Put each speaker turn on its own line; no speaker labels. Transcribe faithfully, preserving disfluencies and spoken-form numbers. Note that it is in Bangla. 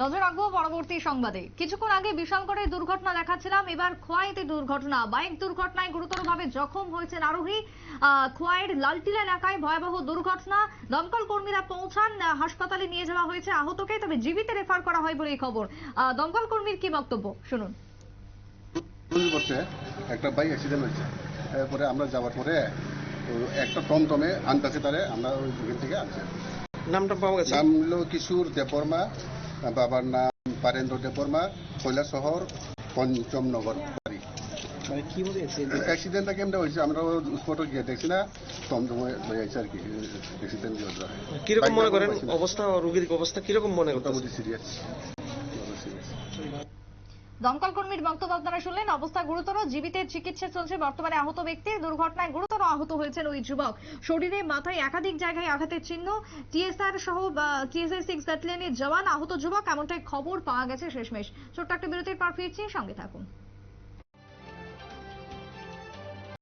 নজর রাখবো পরবর্তী সংবাদে। কিছুক্ষণ আগে বিশালগড়ে দুর্ঘটনা দেখাচ্ছিলাম, এবার খোয়াইতে দুর্ঘটনা। বাইক দুর্ঘটনায় গুরুতরভাবে জখম হয়েছেন আরোহী। খোয়াইয়ের লালটিলা এলাকায় ভয়াবহ দুর্ঘটনা। দমকল কর্মীরা পৌঁছান, হাসপাতালে নিয়ে যাওয়া হয়েছে আহতকে, তবে জীবিত রেফার করা হয় বলে খবর। দমকল কর্মীর কি বক্তব্য শুনুন।
একটা বাইক অ্যাক্সিডেন্ট হয়েছে, এরপরে আমরা যাওয়ার পরে একটা টমটমে আনতেছে, তারে আমরা ওই যুগের থেকে আনছি।
নামটা পাওয়া গেছে?
নাম হলো কিশোর দেববর্মা, বাবার নাম পারেন্দ্র দেববর্মা, কৈলাসহর পঞ্চমনগর বাড়ি।
মানে কি হয়েছে
অ্যাক্সিডেন্টটা কেমন হয়েছে আমরা স্পটে গিয়ে দেখছি না, টমটমে হয়েছে আর কি অ্যাক্সিডেন্ট।
কিরকম মনে করেন অবস্থা, রোগীর অবস্থা কিরকম মনে করতে?
মোটামুটি সিরিয়াস।
দমকল কর্মীর বক্তব্য আপনারা শুনলেন। অবস্থা গুরুতর, জীবিতের চিকিৎসা চলছে বর্তমানে আহত ব্যক্তির। দুর্ঘটনায় গুরুতর আহত হয়েছেন ওই যুবক। শরীরে মাথায় একাধিক জায়গায় আঘাতের চিহ্ন। টিএসআর সহ টিএসআর সিক্স ব্যাটালিয়নের জওয়ান আহত যুবক, এমনটাই খবর পাওয়া গেছে শেষমেশ। ছোট্ট একটা বিরতির পর ফিরছি, সঙ্গে থাকুন।